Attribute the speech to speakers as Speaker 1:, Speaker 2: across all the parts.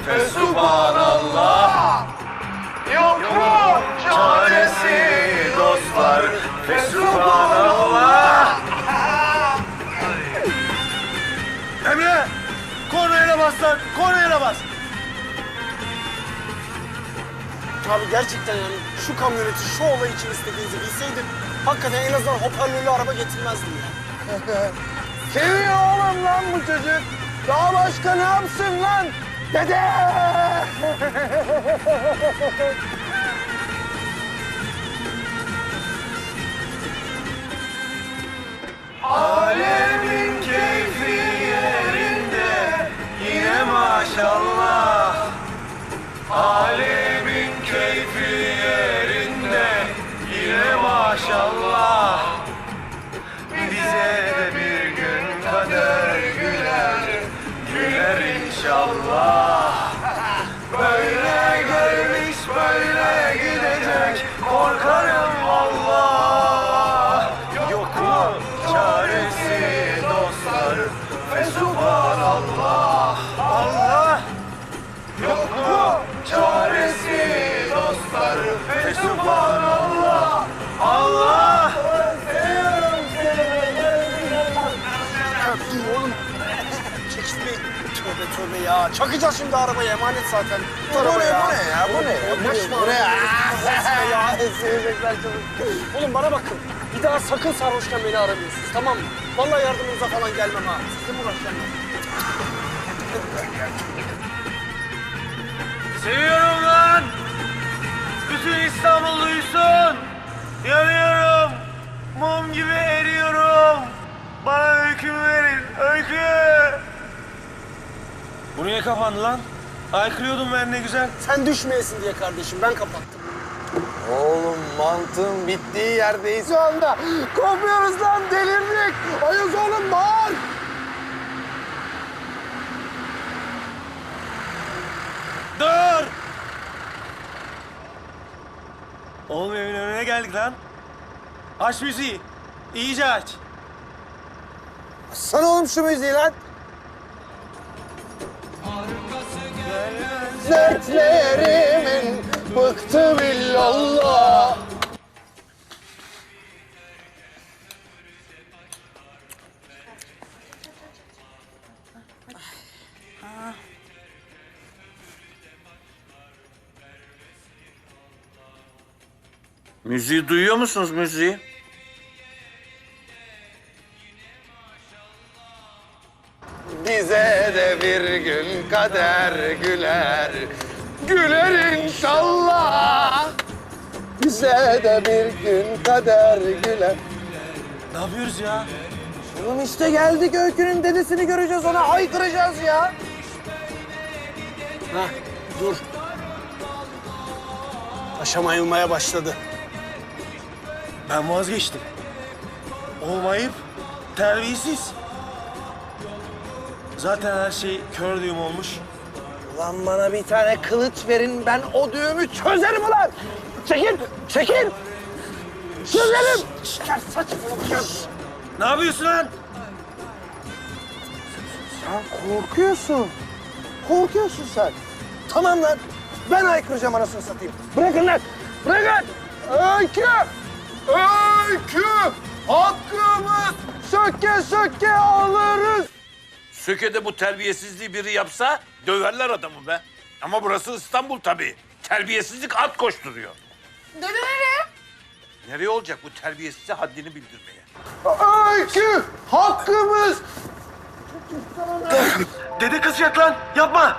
Speaker 1: Fesubhanallah. Yok mu çaresi dostlar? Fesubhanallah.
Speaker 2: Emre! Kornaya bas lan! Kornaya bas!
Speaker 3: Abi gerçekten yani şu kamyoneti şu olay için istediğinizi bilseydim hakikaten en azından hoparlörlü araba getirmezdim ya.
Speaker 2: Seviyor oğlum lan bu çocuk. Daha başka ne yapsın lan? Dede!
Speaker 1: Alemin keyfi yerinde yine maşallah. Alemin keyfi yerinde yine maşallah. Bize de bir gün kader güler, güler inşallah. Böyle gelmiş böyle gidecek, korkarım Allah. Yok mu çaresi dostlar? Fesubhanallah. Allah. Yok mu çaresi dostlar? Fesubhanallah. Allah.
Speaker 3: Ya dur oğlum. Çekilmeyin. Tövbe tövbe ya. Çakacağız şimdi arabaya emanet zaten.
Speaker 2: Bu ne ya?
Speaker 3: Bu ne ya? Ya sevecekler çabuk. Oğlum bana bakın. Bir daha sakın sarhoşken beni aramıyorsunuz tamam mı? Vallahi yardımınıza falan gelmem ha. Sizle mi uğraşacağım ya?
Speaker 2: Seviyorum lan! Bütün İstanbul duysun! Yanıyorum! Mum gibi eriyorum! Bana öykümü verin, öykü! Bu niye kapandı lan? Haykırıyordum ben ne güzel.
Speaker 3: Sen düşmeyesin diye kardeşim ben kapattım.
Speaker 2: Oğlum mantığın bittiği yerdeyiz şu anda. Kopuyoruz lan delirdik. Ayız oğlum bağır. Dur. Oğlum evin önüne geldik lan. Aç müziği. İyice aç. Açsana oğlum şu müziği lan. Dertlerimin bıktı billallah.
Speaker 1: Müziği duyuyor musunuz müziği?
Speaker 2: Bize de bir gün kader güler, güler inşallah. Bize de bir gün kader güler. Ne yapıyoruz ya? Oğlum işte geldik Öykü'nün dedesini göreceğiz, ona haykıracağız ya.
Speaker 3: Hah dur. Paşam ayılmaya başladı.
Speaker 2: Ben vazgeçtim. Olmayıp terbiyesiz. Zaten her şey kör düğüm olmuş. Ulan bana bir tane kılıç verin, ben o düğümü çözerim ulan! Çekil, çekil! Çözerim!
Speaker 3: Ya saçmalama.
Speaker 2: Ne yapıyorsun lan? Sen korkuyorsun. Korkuyorsun sen. Tamam lan, ben haykıracağım anasını satayım. Bırakın lan, bırakın! Öykü! Öykü! Hakkımız söke söke alırız!
Speaker 1: Söke'de bu terbiyesizliği biri yapsa döverler adamı be. Ama burası İstanbul tabii. Terbiyesizlik at koşturuyor.
Speaker 4: Dede nereye?
Speaker 1: Nereye olacak bu terbiyesize haddini bildirmeye?
Speaker 2: Öykü! Hakkımız! Dede kızacak lan, yapma!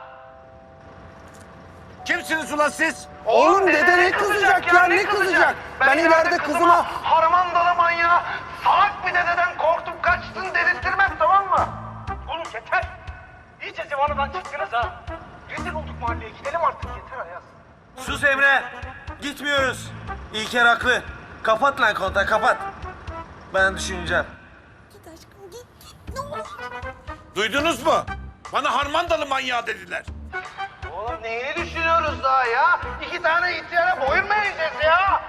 Speaker 1: Kimsiniz ulan siz?
Speaker 2: Oğlum dede ne kızacak ya, ne kızacak? Ben ileride kızıma...
Speaker 5: Harmandalı manyağı salak bir dededen korktum kaçtın dedirttirmem tamam mı? Oğlum yeter. İyice zıvanadan çıktınız ha. Rezil olduk mahalleye gidelim artık yeter Ayaz.
Speaker 2: Sus Emre, gitmiyoruz. İlker haklı. Kapat lan kontağı, kapat. Ben düşüneceğim.
Speaker 4: Git aşkım git git ne olur.
Speaker 1: Duydunuz mu? Bana harmandalı manyağı dediler.
Speaker 5: Oğlum neyini düşünüyoruz daha ya? İki tane ihtiyara boyun mu eğeceğiz ya?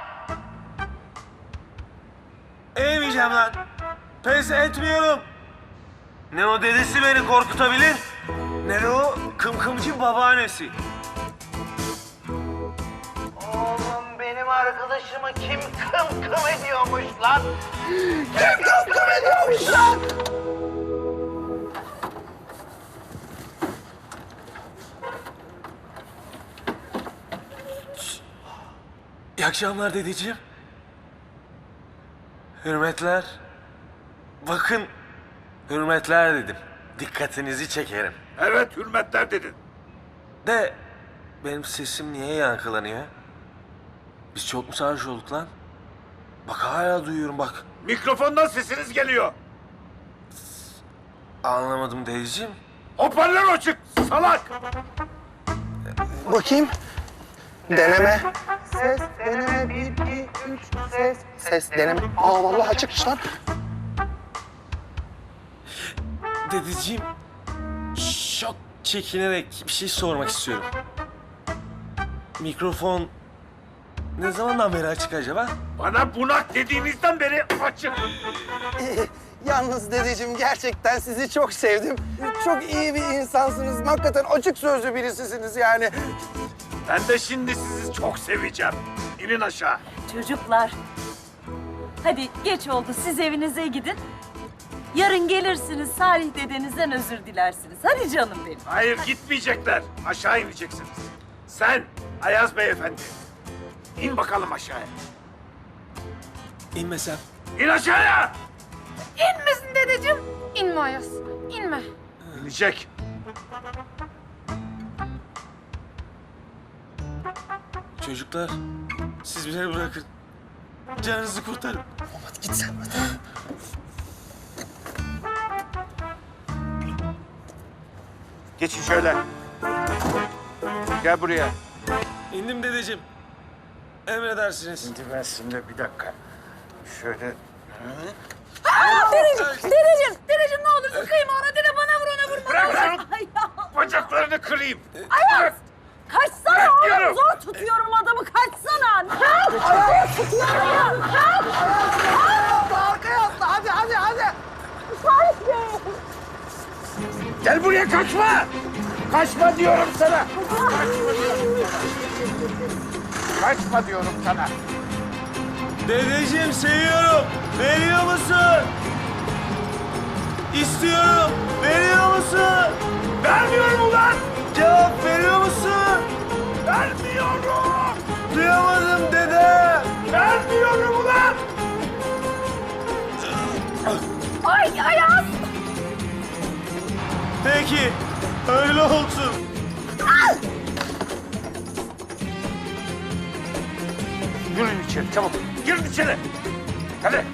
Speaker 2: Eğmeyeceğim lan. Pes etmiyorum. Ne o dedesi beni korkutabilir, ne de o kım
Speaker 3: bakımcı babaannesi.
Speaker 5: Oğlum benim arkadaşımı kim kım ediyormuş lan?
Speaker 3: İyi akşamlar dedeciğim. Hürmetler. Bakın, hürmetler dedim. Dikkatinizi çekerim.
Speaker 1: Evet hürmetler dedin.
Speaker 3: De benim sesim niye yankılanıyor? Biz çok mu sarhoş olduk lan? Bak hala duyuyorum bak.
Speaker 1: Mikrofondan sesiniz geliyor.
Speaker 3: Anlamadım dedeciğim.
Speaker 1: Hoparlör açık salak.
Speaker 2: Bakayım. Deneme. Ses, deneme. 1, 2, 3, ses. Ses, deneme. Aa vallahi açıkmış lan.
Speaker 3: Dedeciğim, çok çekinerek bir şey sormak istiyorum. Mikrofon ne zamandan beri açık acaba?
Speaker 1: Bana bunak dediğinizden beri açık.
Speaker 2: Yalnız dedeciğim gerçekten sizi çok sevdim. Çok iyi bir insansınız. Hakikaten açık sözlü birisisiniz yani.
Speaker 1: Ben de şimdi sizi çok seveceğim. İnin aşağı.
Speaker 6: Çocuklar, hadi geç oldu, siz evinize gidin. Yarın gelirsiniz, Salih dedenizden özür dilersiniz. Hadi canım benim.
Speaker 1: Hayır gitmeyecekler. Aşağı ineceksiniz. Sen Ayaz beyefendi. İn bakalım aşağıya.
Speaker 3: İnmesem.
Speaker 1: İn aşağıya.
Speaker 4: İnmesin dedeciğim. İnme Ayaz. İnme.
Speaker 1: İnecek.
Speaker 3: Çocuklar, siz beni bırakın. Canınızı kurtarın.
Speaker 1: Geçin şöyle. Gel buraya.
Speaker 3: İndim dedeciğim. Emredersiniz.
Speaker 1: Şimdi ben şimdi bir dakika. Şöyle.
Speaker 6: Dedeciğim ne olursun kıyma ona, dede bana vur, ona vurma.
Speaker 1: Bırak lan.
Speaker 6: Ay ya,
Speaker 1: Bacaklarını kırayım.
Speaker 6: Ayaz! Kaçsana
Speaker 1: Bırakıyorum.
Speaker 6: oğlum, zor tutuyorum adamı, kaçsana. Kalk! Zor tutuyorum ya, kalk!
Speaker 2: Arkaya atla hadi hadi hadi.
Speaker 6: Salih Bey!
Speaker 1: Gel buraya kaçma. Kaçma diyorum sana. Kaçma diyorum sana.
Speaker 3: Dedeciğim seviyorum. Veriyor musun? İstiyorum. Veriyor musun?
Speaker 1: Vermiyorum ulan.
Speaker 3: Cevap veriyor musun?
Speaker 1: Vermiyorum.
Speaker 3: Duyamadım dede.
Speaker 1: Vermiyorum ulan.
Speaker 6: Ay Ayaz!
Speaker 3: Peki. Öyle olsun.
Speaker 1: Girin içeri çabuk. Girin içeri. Hadi.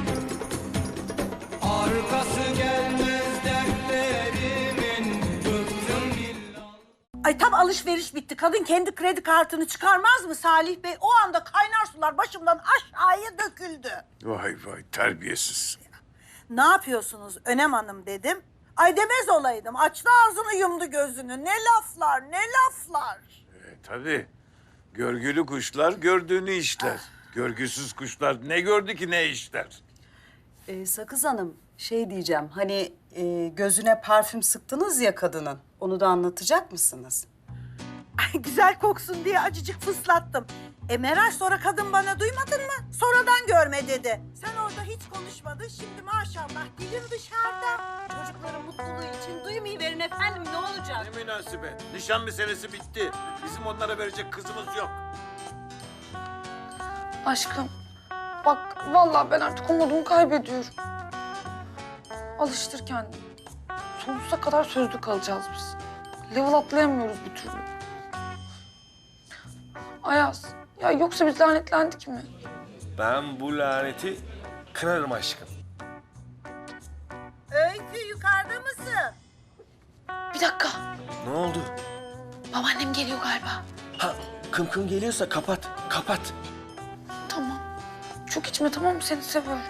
Speaker 7: Ay tam alışveriş bitti. Kadın kendi kredi kartını çıkarmaz mı Salih Bey? O anda kaynar sular başımdan aşağıya döküldü.
Speaker 1: Vay vay terbiyesiz.
Speaker 7: Ne yapıyorsunuz Önem Hanım dedim. Ay demez olaydım. Açtı ağzını yumdu gözünü. Ne laflar ne laflar.
Speaker 1: Tabii. Görgülü kuşlar gördüğünü işler. Görgüsüz kuşlar ne gördü ki ne işler.
Speaker 8: Sakız Hanım, şey diyeceğim, hani gözüne parfüm sıktınız ya kadının, onu da anlatacak mısınız?
Speaker 7: Ay güzel koksun diye acıcık fıslattım. Meral sonra kadın bana duymadın mı? Sonradan görme dedi. Sen orada hiç konuşmadın. Şimdi maşallah dilin dışarıda.
Speaker 6: Çocukların mutluluğu için duymayıverin efendim, ne olacak?
Speaker 1: Ne münasebet. Nişan meselesi bitti. Bizim onlara verecek kızımız yok.
Speaker 4: Aşkım. Bak vallahi ben artık umudumu kaybediyorum. Alıştır kendini. Sonsuza kadar sözlü kalacağız biz. Level atlayamıyoruz bir türlü. Ayaz. Ya yoksa biz lanetlendik mi?
Speaker 3: Ben bu laneti kırarım aşkım.
Speaker 7: Öykü yukarıda mısın?
Speaker 4: Bir dakika.
Speaker 3: Ne oldu?
Speaker 4: Babaannem geliyor galiba.
Speaker 3: Ha, kım kım geliyorsa kapat, kapat.
Speaker 4: Tamam. Çok içme tamam mı? Seni seviyorum.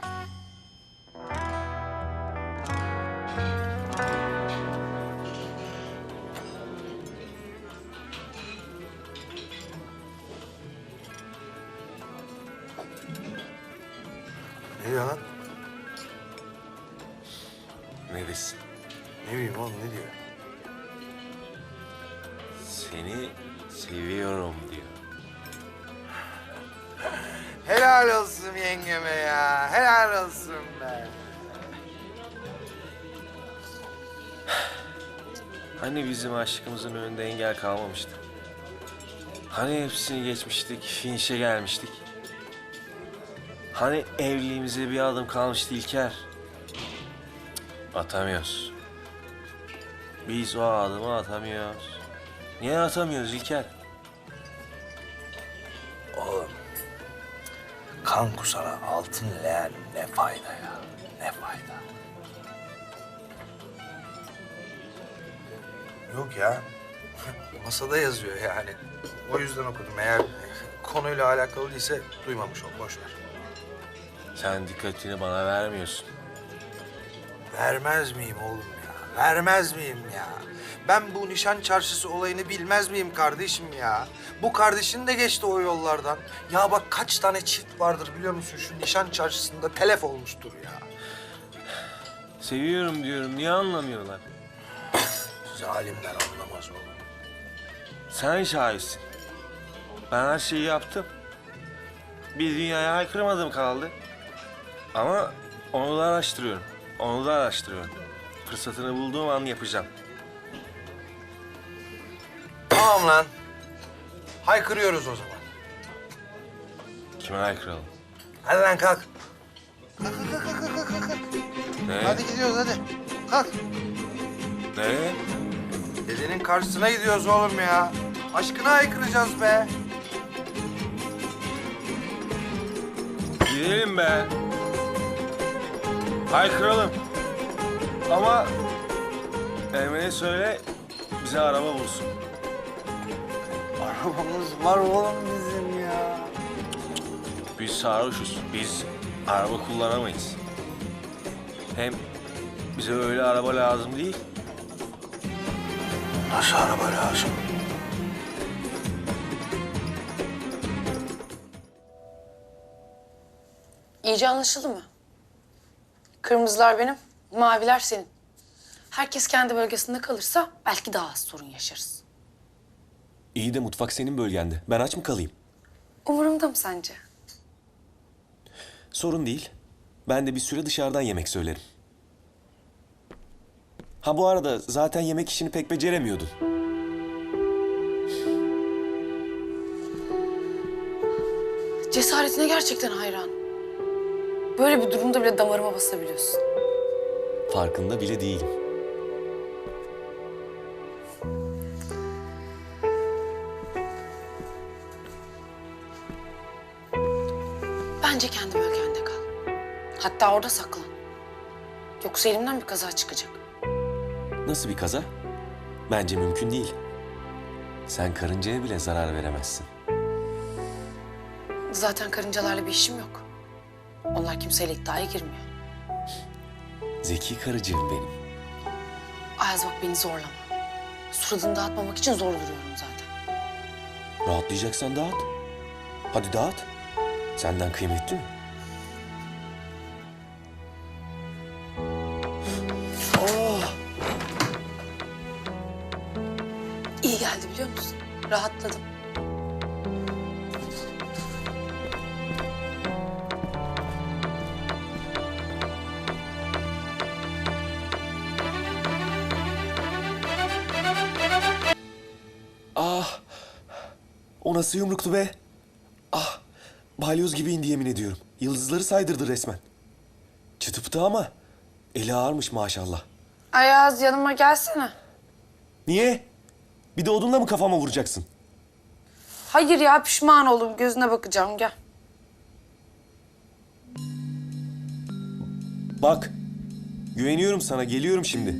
Speaker 2: Ne diyor lan?
Speaker 3: Ne desin?
Speaker 2: Ne bileyim oğlum ne diyor?
Speaker 9: seni seviyorum diyor.
Speaker 2: Helal olsun yengeme ya. Helal olsun be.
Speaker 9: Hani bizim aşkımızın önünde engel kalmamıştı? Hani hepsini geçmiştik, finişe gelmiştik? Hani evliliğimize bir adım kalmıştı İlker? Cık, atamıyoruz. Biz o adımı atamıyoruz. Niye atamıyoruz İlker?
Speaker 2: Oğlum, kan kusana altın leğen ne fayda ya, ne fayda. Yok ya, masada yazıyor yani. O yüzden okudum. Eğer konuyla alakalı değilse duymamış ol, boş ver.
Speaker 9: Sen dikkatini bana vermiyorsun.
Speaker 2: Vermez miyim oğlum ya, vermez miyim ya? Ben bu nişan çarşısı olayını bilmez miyim kardeşim ya? Bu kardeşin de geçti o yollardan. Ya bak kaç tane çift vardır biliyor musun? Şu nişan çarşısında telef olmuştur ya.
Speaker 9: Seviyorum diyorum, niye anlamıyorlar?
Speaker 2: Zalimler anlamaz oğlum.
Speaker 9: Sen şahitsin. Ben her şeyi yaptım. Bir dünyaya haykırmadım kaldı. Ama onu da araştırıyorum. Onu da araştırıyorum. Fırsatını bulduğum an yapacağım.
Speaker 2: Tamam lan. Haykırıyoruz o zaman.
Speaker 9: Kime haykıralım?
Speaker 2: Hadi lan kalk.
Speaker 9: Ne?
Speaker 2: Hadi gidiyoruz hadi. Kalk.
Speaker 9: Ne?
Speaker 2: Dedenin karşısına gidiyoruz oğlum ya. Aşkına haykıracağız be.
Speaker 9: Gidelim be. Haykıralım. Ama Emre'ye söyle bize araba bulsun.
Speaker 2: Arabamız var oğlum bizim ya.
Speaker 9: Biz sarhoşuz. Biz araba kullanamayız. Hem bize öyle araba lazım değil.
Speaker 2: Nasıl araba lazım?
Speaker 4: İyice anlaşıldı mı? Kırmızılar benim, maviler senin. Herkes kendi bölgesinde kalırsa belki daha az sorun yaşarız.
Speaker 10: İyi de mutfak senin bölgende. Ben aç mı kalayım?
Speaker 4: Umurumda mı sence?
Speaker 10: Sorun değil. Ben de bir süre dışarıdan yemek söylerim. Ha bu arada zaten yemek işini pek beceremiyordun.
Speaker 4: Cesaretine gerçekten hayran. Böyle bir durumda bile damarıma basabiliyorsun.
Speaker 10: Farkında bile değilim.
Speaker 4: Bence kendi bölgende kal. Hatta orada saklan. Yoksa elimden bir kaza çıkacak.
Speaker 10: Nasıl bir kaza? Bence mümkün değil. Sen karıncaya bile zarar veremezsin.
Speaker 4: Zaten karıncalarla bir işim yok. Onlar kimseyle iddiaya girmiyor.
Speaker 10: Zeki karıcığım benim.
Speaker 4: Ayaz bak beni zorlama. Suratını dağıtmamak için zor duruyorum zaten.
Speaker 10: Rahatlayacaksan dağıt. Hadi dağıt. Senden kıymetli mi?
Speaker 4: İyi geldi biliyor musun? Rahatladım.
Speaker 10: Ah! O nasıl yumruktu be? Ah! Balyoz gibi indi yemin ediyorum. Yıldızları saydırdı resmen. Çıtı pıtı ama eli ağırmış maşallah.
Speaker 4: Ayaz yanıma gelsene.
Speaker 10: Niye? Bir de odunla mı kafama vuracaksın?
Speaker 4: Hayır ya pişman oldum. Gözüne bakacağım gel.
Speaker 10: Bak, güveniyorum sana, geliyorum şimdi.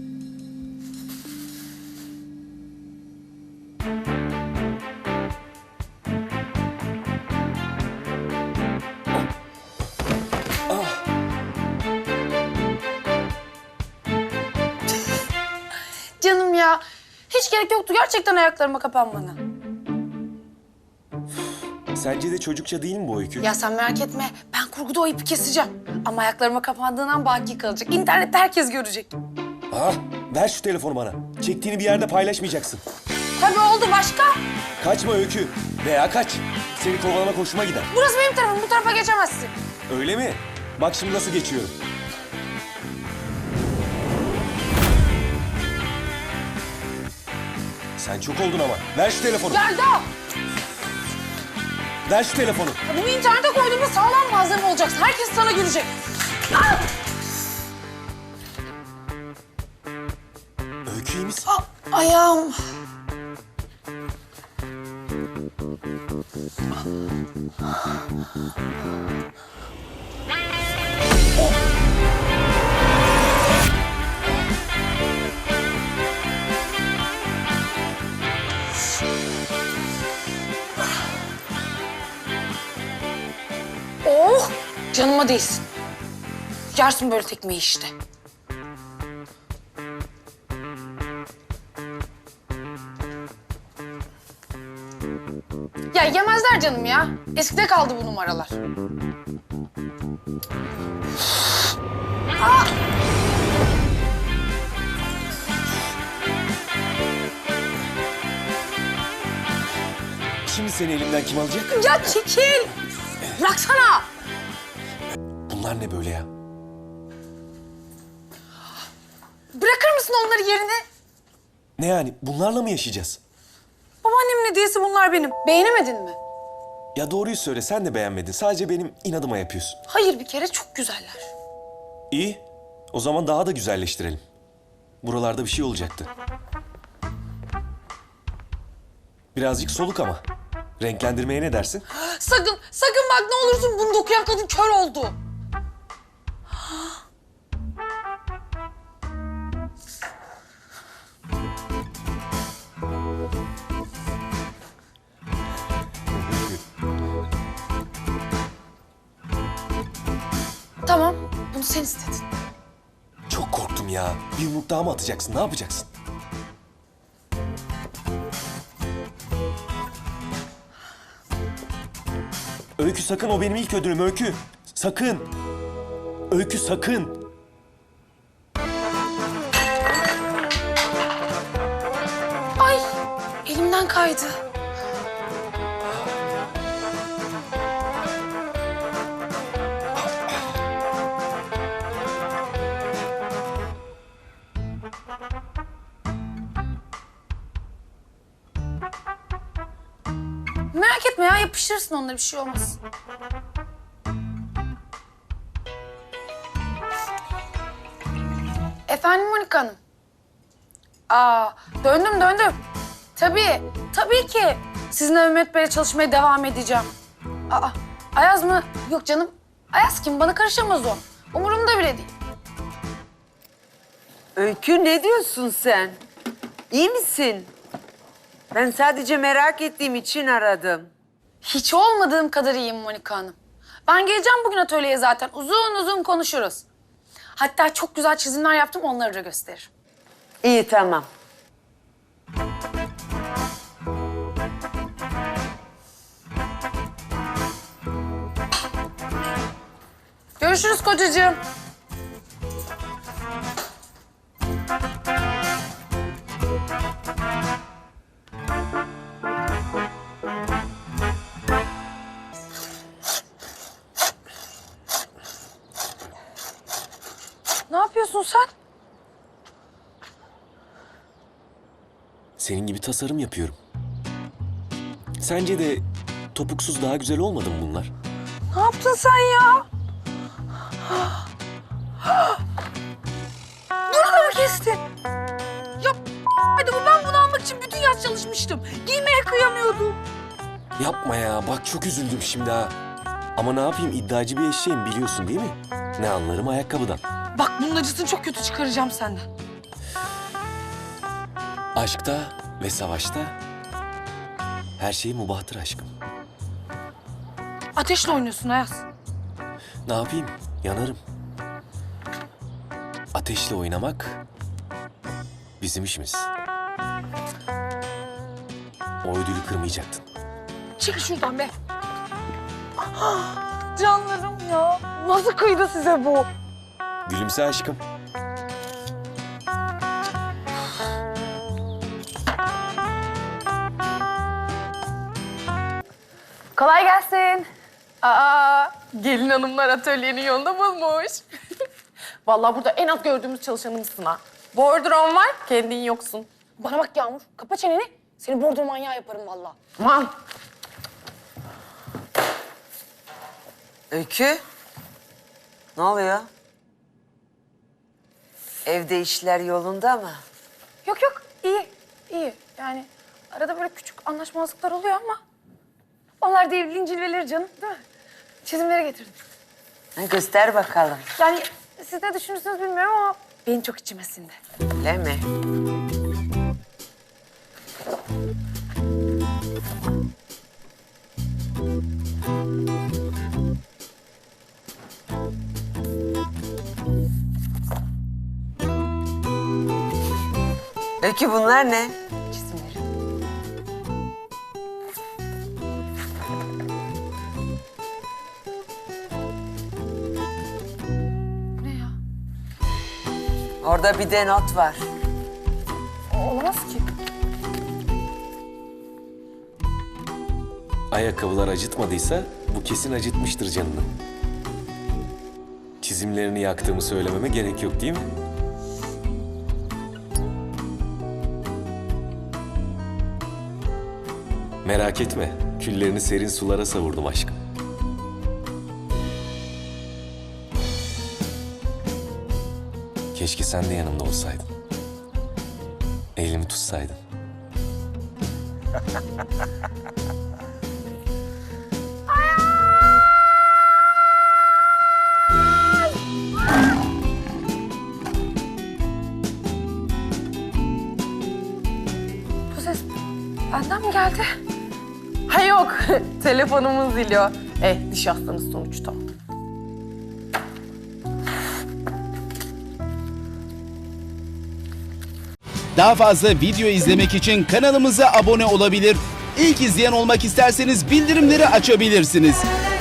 Speaker 4: Canım ya. Hiç gerek yoktu gerçekten ayaklarıma kapanmana.
Speaker 10: Sence de çocukça değil mi bu öykü?
Speaker 4: Ya sen merak etme. Ben kurguda o ipi keseceğim. Ama ayaklarıma kapandığından baki kalacak. İnternette herkes görecek.
Speaker 10: Ah, ver şu telefonu bana. Çektiğini bir yerde paylaşmayacaksın.
Speaker 4: Tabii oldu, başka?
Speaker 10: Kaçma Öykü. Veya kaç. Seni kovalamak hoşuma gider.
Speaker 4: Burası benim tarafım, bu tarafa geçemezsin.
Speaker 10: Öyle mi? Bak şimdi nasıl geçiyorum. Sen çok oldun ama. Ver şu telefonu.
Speaker 4: Yelda!
Speaker 10: Ver şu telefonu.
Speaker 4: Bunu internete koyduğumda sağlam malzeme olacaksın. Herkes sana gülecek. Ah!
Speaker 10: Öykü iyi misin?
Speaker 4: Ayağım. Oh! Canıma değsin. Yersin böyle tekmeyi işte. Ya yemezler canım ya. Eskide kaldı bu numaralar. Aa!
Speaker 10: Şimdi seni elimden kim alacak?
Speaker 4: Ya çekil! Bıraksana!
Speaker 10: Bunlar ne böyle ya?
Speaker 4: Bırakır mısın onları yerine?
Speaker 10: Ne yani? Bunlarla mı yaşayacağız?
Speaker 4: Babaannemin hediyesi bunlar benim. Beğenemedin mi?
Speaker 10: Ya doğruyu söyle, sen de beğenmedin. Sadece benim inadıma yapıyorsun.
Speaker 4: Hayır, bir kere çok güzeller.
Speaker 10: İyi. O zaman daha da güzelleştirelim. Buralarda bir şey olacaktı. Birazcık soluk ama. Renklendirmeye ne dersin?
Speaker 4: Sakın, sakın bak ne olursun, bunu dokuyan kadın kör oldu. Tamam, bunu sen istedin.
Speaker 10: Çok korktum ya. Bir yumruk daha mı atacaksın? Ne yapacaksın? Öykü sakın, o benim ilk ödülüm Öykü. Sakın. Öykü sakın.
Speaker 4: Ay, elimden kaydı. Merak etme ya, yapıştırırsın onlara, bir şey olmaz. Efendim Monika Hanım? Döndüm. Tabii ki. Sizinle Mehmet Bey'le çalışmaya devam edeceğim. Ayaz mı? Yok canım. Ayaz kim? Bana karışamaz o. Umurumda bile değil.
Speaker 11: Öykü ne diyorsun sen? İyi misin? Ben sadece merak ettiğim için aradım.
Speaker 4: Hiç olmadığım kadar iyiyim Monika Hanım. Ben geleceğim bugün atölyeye zaten. Uzun uzun konuşuruz. Hatta çok güzel çizimler yaptım, onları da gösteririm.
Speaker 11: İyi tamam.
Speaker 4: Görüşürüz kocacığım. Ne yapıyorsun sen?
Speaker 10: Senin gibi tasarım yapıyorum. Sence de topuksuz daha güzel olmadı mı bunlar?
Speaker 4: Ne yaptın sen ya? Bunu da mı kestin? Ya hadi ben bunu almak için bütün yaz çalışmıştım. Giymeye kıyamıyordum.
Speaker 10: Yapma ya, bak çok üzüldüm şimdi ha. Ama ne yapayım, iddiacı bir eşeğim biliyorsun değil mi? Ne anlarım ayakkabıdan.
Speaker 4: Bak bunun acısını çok kötü çıkaracağım senden.
Speaker 10: Aşkta ve savaşta her şey mubahtır aşkım.
Speaker 4: Ateşle oynuyorsun Ayaz.
Speaker 10: Ne yapayım, yanarım. Ateşle oynamak bizim işimiz. O ödülü kırmayacaktın.
Speaker 4: Çekil şuradan be. Canlarım ya. Nasıl kıydı size bu?
Speaker 10: Gülümse aşkım.
Speaker 4: Kolay gelsin. Gelin hanımlar atölyenin yolunu bulmuş.
Speaker 12: Vallahi burada en az gördüğümüz çalışanımızsın ha. Bordron var, kendin yoksun. Bana bak Yağmur, kapa çeneni. Seni bordro manyağı yaparım vallahi. Aman.
Speaker 11: Öykü. Ne oluyor? Evde işler yolunda mı?
Speaker 4: Yok iyi. Yani arada böyle küçük anlaşmazlıklar oluyor ama... ...onlar da evliliğin cilveleri canım, değil mi? Çizimleri getirdim.
Speaker 11: Göster bakalım.
Speaker 4: Yani siz ne düşünürsünüz bilmiyorum ama benim çok içime sindi.
Speaker 11: Öyle mi? Öykü bunlar ne?
Speaker 4: Çizimleri. Ne ya?
Speaker 11: Orada bir de not var.
Speaker 4: Olamaz ki.
Speaker 10: Ayakkabılar acıtmadıysa bu kesin acıtmıştır canını. Çizimlerini yaktığımı söylememe gerek yok değil mi? Merak etme, küllerini serin sulara savurdum aşkım. Keşke sen de yanımda olsaydın. Elimi tutsaydın.
Speaker 4: Bu ses benden mi geldi?
Speaker 12: Ha yok, telefonumuz ziliyor. Nişanlımız sonuçta.
Speaker 13: Daha fazla video izlemek için kanalımıza abone olabilir. İlk izleyen olmak isterseniz bildirimleri açabilirsiniz.